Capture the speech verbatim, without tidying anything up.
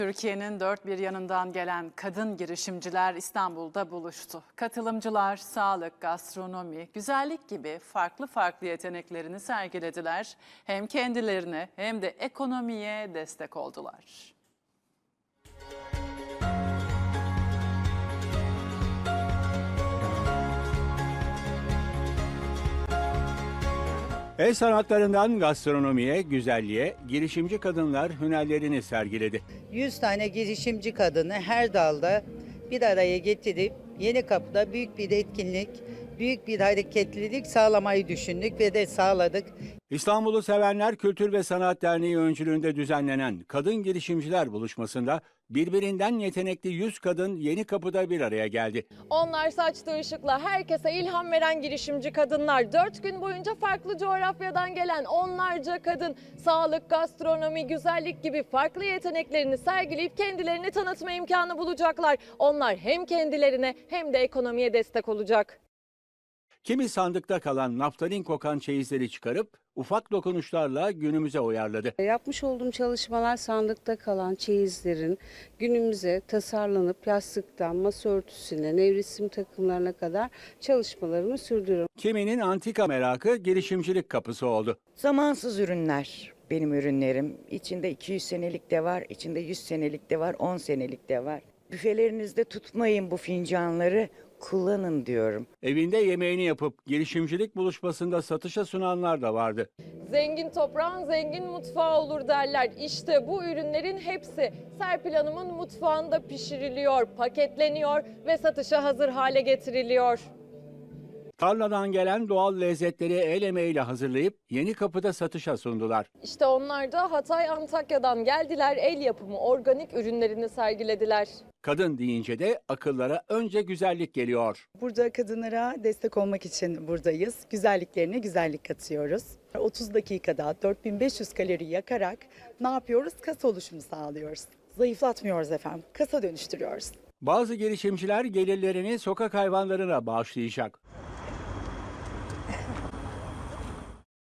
Türkiye'nin dört bir yanından gelen kadın girişimciler İstanbul'da buluştu. Katılımcılar sağlık, gastronomi, güzellik gibi farklı farklı yeteneklerini sergilediler. Hem kendilerine hem de ekonomiye destek oldular. El sanatlarından gastronomiye, güzelliğe, girişimci kadınlar hünerlerini sergiledi. yüz tane girişimci kadını her dalda bir araya getirip Yenikapı'da büyük bir etkinlik, büyük bir hareketlilik sağlamayı düşündük ve de sağladık. İstanbul'u Sevenler Kültür ve Sanat Derneği öncülüğünde düzenlenen Kadın Girişimciler Buluşması'nda birbirinden yetenekli yüz kadın Yenikapı'da bir araya geldi. Onlar saçtığı ışıkla herkese ilham veren girişimci kadınlar. Dört gün boyunca farklı coğrafyadan gelen onlarca kadın sağlık, gastronomi, güzellik gibi farklı yeteneklerini sergileyip kendilerini tanıtma imkanı bulacaklar. Onlar hem kendilerine hem de ekonomiye destek olacak. Kimi sandıkta kalan naftalin kokan çeyizleri çıkarıp ufak dokunuşlarla günümüze uyarladı. Yapmış olduğum çalışmalar sandıkta kalan çeyizlerin günümüze tasarlanıp yastıktan masa örtüsüne, nevresim takımlarına kadar çalışmalarımı sürdürüyorum. Kiminin antika merakı girişimcilik kapısı oldu. Zamansız ürünler benim ürünlerim. İçinde iki yüz senelik de var, içinde yüz senelik de var, on senelik de var. Büfelerinizde tutmayın bu fincanları, kullanın diyorum. Evinde yemeğini yapıp girişimcilik buluşmasında satışa sunanlar da vardı. Zengin toprağın zengin mutfağı olur derler. İşte bu ürünlerin hepsi Serpil Hanım'ın mutfağında pişiriliyor, paketleniyor ve satışa hazır hale getiriliyor. Tarladan gelen doğal lezzetleri el emeğiyle hazırlayıp Yenikapı'da satışa sundular. İşte onlar da Hatay, Antakya'dan geldiler, el yapımı organik ürünlerini sergilediler. Kadın deyince de akıllara önce güzellik geliyor. Burada kadınlara destek olmak için buradayız. Güzelliklerine güzellik katıyoruz. otuz dakikada dört bin beş yüz kalori yakarak ne yapıyoruz? Kasa oluşumu sağlıyoruz. Zayıflatmıyoruz efendim. Kasa dönüştürüyoruz. Bazı girişimciler gelirlerini sokak hayvanlarına bağışlayacak.